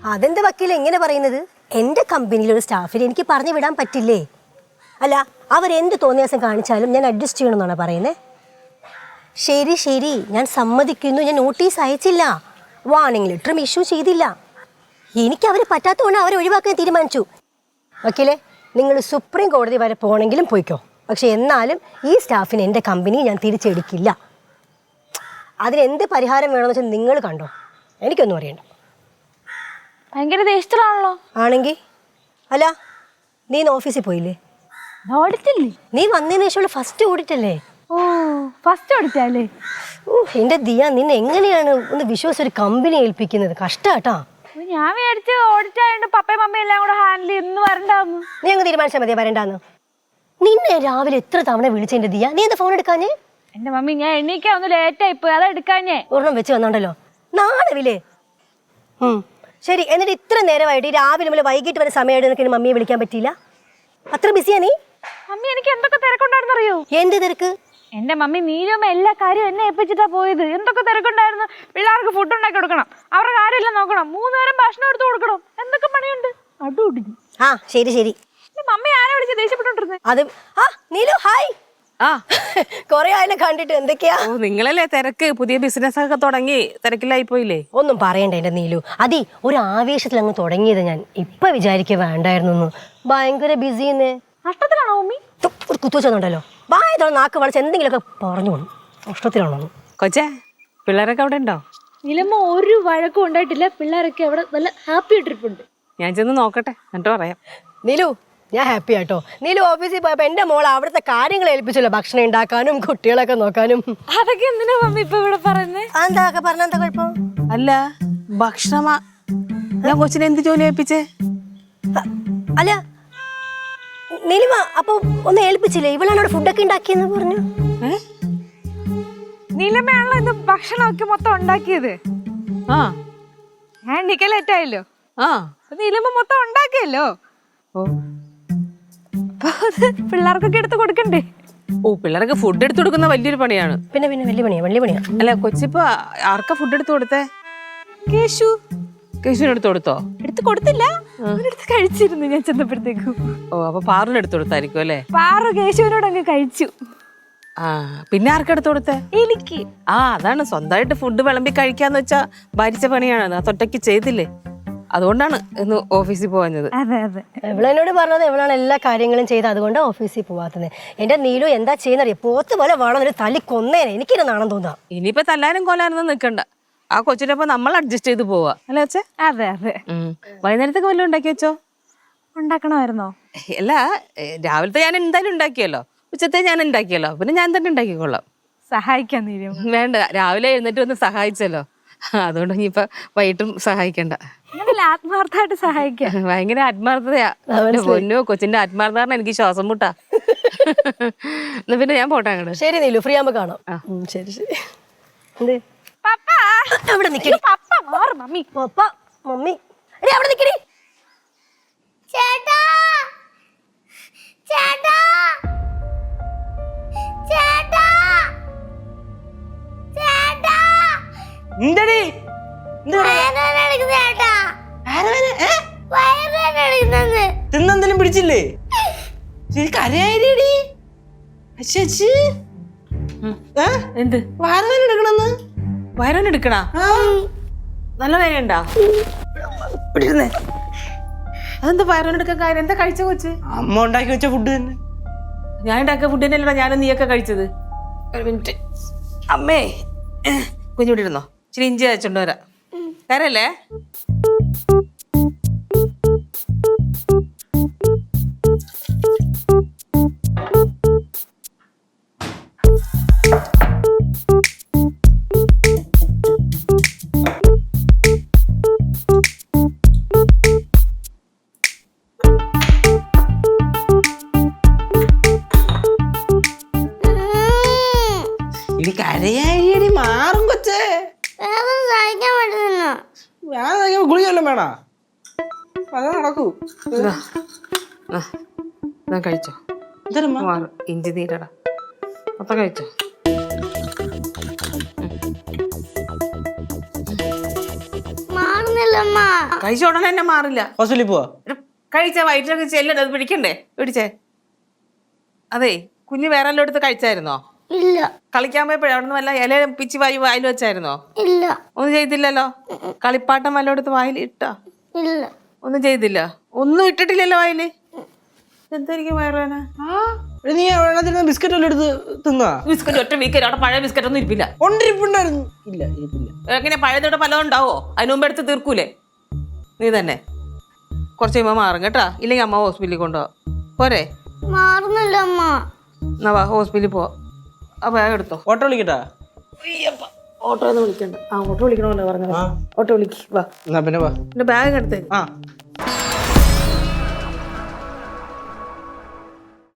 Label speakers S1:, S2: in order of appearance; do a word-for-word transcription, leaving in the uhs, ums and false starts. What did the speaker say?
S1: അതെന്ത് വക്കീല എങ്ങനെ പറയുന്നത്? എൻ്റെ കമ്പനിയിലൊരു സ്റ്റാഫിനെ എനിക്ക് പറഞ്ഞു വിടാൻ പറ്റില്ലേ? അല്ല, അവരെന്ത് തോന്നിയാസം കാണിച്ചാലും ഞാൻ അഡ്ജസ്റ്റ് ചെയ്യണമെന്നാണ് പറയുന്നത്. ശരി ശരി, ഞാൻ സമ്മതിക്കുന്നു. ഞാൻ നോട്ടീസ് അയച്ചില്ല, വാർണിംഗ് ലെറ്ററും ഇഷ്യൂ ചെയ്തില്ല. എനിക്ക് അവർ പറ്റാത്തതുകൊണ്ട് അവരെ ഒഴിവാക്കാൻ തീരുമാനിച്ചു. വക്കീലെ, നിങ്ങൾ സുപ്രീം കോടതി വരെ പോകണമെങ്കിലും പോയിക്കോ. പക്ഷെ എന്നാലും ഈ സ്റ്റാഫിന് എൻ്റെ കമ്പനി ഞാൻ തിരിച്ചെടുക്കില്ല. അതിനെന്ത് പരിഹാരം വേണമെന്ന് വെച്ചാൽ നിങ്ങൾ കണ്ടോ, എനിക്കൊന്നും അറിയണ്ട.
S2: ഭയങ്കര ദേഷ്യത്തിലാണല്ലോ.
S1: ആണെങ്കിൽ അല്ല, നീ ഇന്ന് ഓഫീസിൽ പോയില്ലേ?
S2: ഓഡിറ്റില്ലേ?
S1: നീ വന്നതിന് ശേഷമുള്ള ഫസ്റ്റ് ഓഡിറ്റ് അല്ലേ?
S2: ഓ, ഫസ്റ്റ് ഓഡിറ്റല്ലേ?
S1: ഓ എൻ്റെ ദിയ, നിന്നെ എങ്ങനെയാണ് ഒന്ന് വിശ്വസിച്ച് ഒരു കമ്പനി ഏൽപ്പിക്കുന്നത്? കഷ്ടാട്ടാ.
S2: ഞാൻ വിചാരിച്ച് ഓഡിറ്റ് ആയതുകൊണ്ട് പപ്പയും മമ്മയും എല്ലാം കൂടെ ഹാൻഡിൽ ചെയ്യുന്നു വരണ്ടാന്ന്.
S1: നീ അങ്ങ് തീരുമാനിച്ചാൽ മതിയാ വരണ്ടാന്ന്. നിന്നെ രാവിലെ എത്ര തവണ വിളിച്ചെന്റെ ദിയ, നീ എന്താ ഫോൺ എടുക്കാഞ്ഞേ?
S2: എന്റെ മമ്മി, ഞാൻ എണീക്കാൻ ഒന്ന് ലേറ്റ് ആയിപ്പോയി, അതാ എടുക്കാഞ്ഞേ.
S1: ഒരെണ്ണം വെച്ച് വന്നോണ്ടല്ലോ, നാളെ. ഉം ശരി, എന്നിട്ട് ഇത്ര നേരമായിട്ട് രാവിലെ മുതൽ വൈകിട്ട് വരെ സമയമായിട്ട് നിനക്ക് മമ്മിയെ വിളിക്കാൻ പറ്റിയില്ല? അത്ര ബിസിയാ നീ?
S2: മമ്മി, എനിക്ക് എന്തൊക്കെ തിരക്കുണ്ടായിരുന്നു അറിയോ?
S1: എന്ത് തിരക്ക്?
S2: എന്റെ മമ്മി നീലുമ്മ എല്ലാ കാര്യവും എന്നെ ഏൽപ്പിച്ചിട്ടാ പോയത്. എന്തൊക്കെ തിരക്കുണ്ടായിരുന്നു. പിള്ളേർക്ക് ഫുഡ് ഉണ്ടാക്കി കൊടുക്കണം, അവരുടെ കാര്യമെല്ലാം നോക്കണം, മൂന്ന് നേരം ഭക്ഷണം എടുത്തു കൊടുക്കണം, എന്തൊക്കെ പണിയുണ്ട്. അടുടിഞ്ഞു.
S1: ആ ശരി ശരി.
S2: മമ്മി ആരെ വിളിച്ച് ദേഷ്യപ്പെട്ടോണ്ടിരുന്നത്?
S1: അത് ആ നീലു, ഹായ്.
S3: ആ,
S1: കൊറേ ആയാലും കണ്ടിട്ട്. എന്തൊക്കെയാ?
S3: ഓ നിങ്ങളല്ലേ തിരക്ക്, പുതിയ ബിസിനസ് ഒക്കെ തുടങ്ങി തിരക്കിലായി പോയില്ലേ?
S1: ഒന്നും പറയണ്ട എന്റെ നീലു. അതി ഒരു ആവേശത്തിൽ അങ്ങ് തുടങ്ങിയത് ഞാൻ. ഇപ്പൊ വിചാരിക്കുക വേണ്ടായിരുന്നു. ഭയങ്കര ബിസിന്ന്.
S2: നഷ്ടത്തിലാണോ മമ്മി?
S1: ഒരു കുത്തുവെച്ചോണ്ടല്ലോ, വായതോ നാക്ക് വളച്ച് എന്തെങ്കിലുമൊക്കെ പറഞ്ഞു പോകണം. നഷ്ടത്തിലാണോ
S3: കൊച്ചേ? പിള്ളേരൊക്കെ അവിടെ ഉണ്ടോ?
S2: നിലമ്മ ഒരു വഴക്കും ഉണ്ടായിട്ടില്ല. പിള്ളേരൊക്കെ അവിടെ നല്ല ഹാപ്പി ട്രിപ്പുണ്ട്.
S3: ഞാൻ ചെന്ന് നോക്കട്ടെ, എന്നിട്ട് പറയാം.
S1: നീലു, ഞാൻ ഹാപ്പി ആട്ടോ. നീലു ഓഫീസിൽ പോയപ്പോ എന്റെ മോൾ അവിടുത്തെ കാര്യങ്ങൾ ഏൽപ്പിച്ചല്ലോ, ഭക്ഷണം ഉണ്ടാക്കാനും കുട്ടികളൊക്കെ നോക്കാനും.
S2: അതൊക്കെ എന്തിനാ മമ്മി ഇപ്പൊ ഇവിടെ പറയുന്നത്?
S1: എന്താ പറഞ്ഞ എന്താ കുഴപ്പം?
S3: അല്ല, ഭക്ഷണമാ ഞാൻ കൊച്ചിനെ എന്ത് ജോലി ഏൽപ്പിച്ചേ?
S1: അല്ല നീലിമ, അപ്പൊ ഒന്ന് ഏൽപ്പിച്ചില്ലേ? ഇവളാണ് അവിടെ ഫുഡൊക്കെ ഉണ്ടാക്കിയെന്ന് പറഞ്ഞു.
S2: നീലമ്മയാണല്ലോ ഇത് ഭക്ഷണമൊക്കെ മൊത്തം ഉണ്ടാക്കിയത്.
S3: ആ,
S2: ഞാൻ എണ്ണിക്കാൻ ലേറ്റ് ആയല്ലോ.
S3: ആ
S2: നീലമ്മ മൊത്തം ഉണ്ടാക്കിയല്ലോ.
S3: ഓ
S2: പിള്ളേർക്കൊക്കെ എടുത്ത് കൊടുക്കണ്ടേ?
S3: ഓ പിള്ളേർക്ക് ഫുഡ് എടുത്തു കൊടുക്കുന്ന വലിയൊരു പണിയാണ്.
S1: പിന്നെ പിന്നെ വലിയ പണിയാ, വലിയ പണിയാ.
S3: അല്ല കൊച്ചിപ്പോ ആർക്കാ ഫുഡ് എടുത്തു കൊടുത്തേ? കേശു. കേശുവിന് എടുത്തു കൊടുത്തോ?
S2: എടുത്ത് കൊടുത്തില്ല, അവനെടുത്ത് കഴിച്ചിരുന്നു ഞാൻ ചെന്നപ്പോഴത്തേക്കും.
S3: ഓ, അപ്പൊ പാറിന് എടുത്തു കൊടുത്തായിരിക്കും അല്ലേ?
S2: പാറു കേശുവിനോട് അങ്ങ് കഴിച്ചു.
S3: ആ, പിന്നെ ആർക്കെടുത്തു കൊടുത്തേ?
S2: എനിക്ക്.
S3: ആ, അതാണ് സ്വന്തമായിട്ട് ഫുഡ് വിളമ്പി കഴിക്കാന്ന് വെച്ചാ ഭരിച്ച പണിയാണ്. അത് ഒറ്റയ്ക്ക് ചെയ്തില്ലേ, അതുകൊണ്ടാണ് ഇന്ന് ഓഫീസിൽ പോവാഞ്ഞത്.
S2: അതെ അതെ,
S1: എവളെന്നോട് പറഞ്ഞത് എവളാണ് എല്ലാ കാര്യങ്ങളും ചെയ്ത്, അതുകൊണ്ട് ഓഫീസിൽ പോവാത്തത്. എന്റെ നീലു എന്താ ചെയ്യുന്നറിയ, പോത്ത് പോലെ വേണം ഒരു തല്ലി കൊന്നേനെ. എനിക്കിത് നാണം തോന്നാ.
S3: ഇനിയിപ്പോ തല്ലാനും കൊല്ലാനൊന്നും നിൽക്കണ്ട. ആ കൊച്ചിനൊപ്പം നമ്മൾ അഡ്ജസ്റ്റ് ചെയ്ത് പോവാ അല്ലേ അച്ഛേ?
S2: അതെ അതെ.
S3: വൈകുന്നേരത്തേക്ക് വല്ലതും ഉണ്ടാക്കി വെച്ചോ?
S2: ഉണ്ടാക്കണമായിരുന്നോ?
S3: അല്ല, രാവിലത്തെ ഞാൻ എന്തായാലും ഉണ്ടാക്കിയല്ലോ, ഉച്ചത്തെ ഞാൻ ഉണ്ടാക്കിയല്ലോ, പിന്നെ ഞാൻ തന്നെ ഉണ്ടാക്കിക്കൊള്ളാം.
S2: സഹായിക്കാൻ തീരും.
S3: വേണ്ട, രാവിലെ എഴുന്നേറ്റ് ഒന്ന് സഹായിച്ചല്ലോ, അതുകൊണ്ട് ഇനിയിപ്പൊ വൈകിട്ടും സഹായിക്കണ്ട.
S2: ആത്മാർത്ഥമായിട്ട് സഹായിക്കാം.
S3: ഭയങ്കര ആത്മാർത്ഥതയാ. പൊന്നോ, കൊച്ചിന്റെ ആത്മാർത്ഥമാണ് എനിക്ക് ശ്വാസം മുട്ടാ. എന്നാ പിന്നെ ഞാൻ പോട്ടെ അങ്ങോട്ട്.
S1: ശരി നീലു, ഫ്രീ ആകുമ്പോ കാണാം. ശരി ശരി. എന്ത്
S2: പപ്പ
S1: അവിടെ നിക്കടി.
S2: പപ്പ മാറ് മമ്മി.
S1: പപ്പ മമ്മി എടി അവിടെ നിക്കടി.
S4: ചേട്ടാ ചേട്ടാ ചേട്ടാ ചേട്ടാ
S5: എന്തടി
S4: ചേട്ടാ വയറുവേദന
S5: തിന്നെന്തെങ്കിലും പിടിച്ചില്ലേ? കരയായിടി.
S3: എന്ത്
S5: വയറുവേദന എടുക്കണെന്ന്?
S3: വയറുവേദന എടുക്കണ? നല്ല വേദന ഉണ്ടാ? അതെന്താ വയറുവേദന എടുക്കാൻ കാര്യം? എന്താ കഴിച്ച കൊച്ച്?
S5: അമ്മ ഉണ്ടാക്കി വെച്ച ഫുഡ് തന്നെ.
S3: ഞാൻ ഉണ്ടാക്കിയ ഫുഡ് തന്നെയല്ലോ ഞാനും നീയൊക്കെ കഴിച്ചത്. ഒരു മിനിറ്റ് അമ്മേ, കുഞ്ഞുകൂടി ഇരുന്നോ, ഇച്ചിരി ഇഞ്ചി അയച്ചോണ്ട് വരാം. കരല്ലേ?
S5: ഇനി കരയായിടി, മാറും കൊച്ചേ.
S4: വേറെ സഹിക്കാൻ പറ്റുന്നു.
S5: ഞാൻ ഗുളിക വല്ലതും വേണോ? അതാ നടക്കൂ.
S3: കഴിച്ചോ, ഇഞ്ചി നീരടാ, മൊത്തം കഴിച്ചോ.
S4: മാറുന്നില്ല മാറില്ലമ്മ.
S3: കഴിച്ച ഉടനെ തന്നെ മാറില്ല.
S5: ഹോസ്പിറ്റലിൽ പോവാ.
S3: ഒരു കഴിച്ച വയറ്റിലൊക്കെ ചെല്ലണ്ട, അത് പിടിക്കണ്ടേ? പിടിച്ചേ. അതെ, കുഞ്ഞ് വേറെ എല്ലാം എടുത്ത് കഴിച്ചായിരുന്നോ?
S4: ഇല്ല
S3: കളിക്കാൻ പോയപ്പോഴേ അവിടെ നിന്ന് വല്ല ഇല പിച്ചി വായി വായിൽ വെച്ചായിരുന്നോ?
S4: ഇല്ല
S3: ഒന്നും ചെയ്തില്ലല്ലോ. കളിപ്പാട്ടം വല്ല എടുത്ത് വായിൽ ഇട്ടാ?
S4: ഇല്ല
S3: ഒന്നും ചെയ്തില്ല. ഒന്നും ഇട്ടിട്ടില്ലല്ലോ വായില്. എന്തായിരിക്കും വയറുവേന?
S5: എടി, നീ വെള്ളത്തിൽ ബിസ്ക്കറ്റ് വല്ലതും എടുത്ത് തിന്നാ?
S3: ബിസ്ക്കറ്റ് ഒറ്റ വീക്കറ്റ് അവിടെ പഴയ ബിസ്ക്കറ്റ് ഒന്നും ഇരിപ്പില്ല.
S5: ഒണ്ടിരിപ്പുണ്ടായിരുന്നു. ഇല്ല ഇരിപ്പില്ല.
S3: എങ്ങനെ പഴയതോടെ പലതും ഉണ്ടാവോ? അതിന് മുമ്പ് എടുത്ത് തീർക്കൂലേ നീ തന്നെ? കുറച്ച് കഴിയുമ്പോൾ മാറും കേട്ടാ. ഇല്ലെങ്കിൽ അമ്മ ഹോസ്പിറ്റലിൽ കൊണ്ടുപോവാ. പോരെ?
S4: മാറുന്നില്ല അമ്മ.
S3: എന്നാ വാ, ഹോസ്പിറ്റലിൽ പോവാ. ആ ബാഗ് എടുത്തോ.
S5: ഓട്ടോ വിളിക്കട്ടാ?
S3: ഓട്ടോ ഒന്നും വിളിക്കണ്ട. ആ ഓട്ടോ വിളിക്കണമല്ലോ പറഞ്ഞത്. ഓട്ടോ വിളിക്ക് വാ.
S5: എന്നാ പിന്നെ വാ.
S3: എന്റെ ബാഗ് എടുത്തേ.
S5: ആ